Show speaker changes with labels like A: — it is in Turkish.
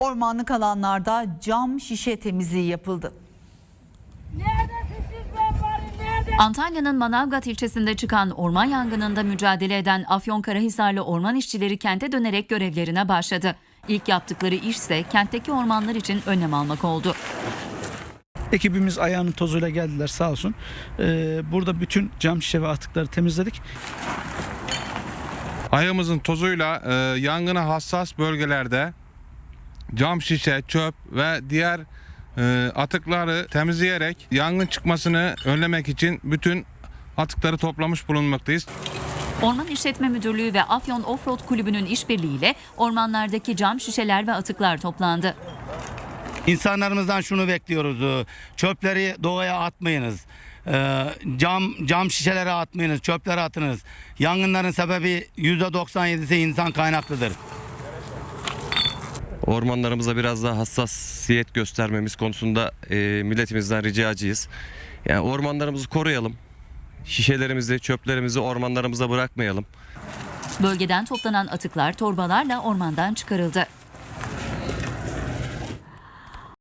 A: Ormanlık alanlarda cam şişe temizliği yapıldı.
B: Antalya'nın Manavgat ilçesinde çıkan orman yangınında mücadele eden Afyonkarahisarlı orman işçileri kente dönerek görevlerine başladı. İlk yaptıkları iş ise kentteki ormanlar için önlem almak oldu.
C: Ekibimiz ayağının tozuyla geldiler sağ olsun. Burada bütün cam şişe ve atıkları temizledik.
D: Ayağımızın tozuyla yangına hassas bölgelerde cam şişe, çöp ve diğer atıkları temizleyerek yangın çıkmasını önlemek için bütün atıkları toplamış bulunmaktayız.
B: Orman İşletme Müdürlüğü ve Afyon Offroad Kulübü'nün işbirliğiyle ormanlardaki cam şişeler ve atıklar toplandı.
E: İnsanlarımızdan şunu bekliyoruz. Çöpleri doğaya atmayınız. Cam şişelere atmayınız, çöplere atınız. Yangınların sebebi %97'si insan kaynaklıdır.
F: Ormanlarımıza biraz daha hassasiyet göstermemiz konusunda milletimizden ricacıyız. Yani ormanlarımızı koruyalım. Şişelerimizi, çöplerimizi ormanlarımıza bırakmayalım.
B: Bölgeden toplanan atıklar torbalarla ormandan çıkarıldı.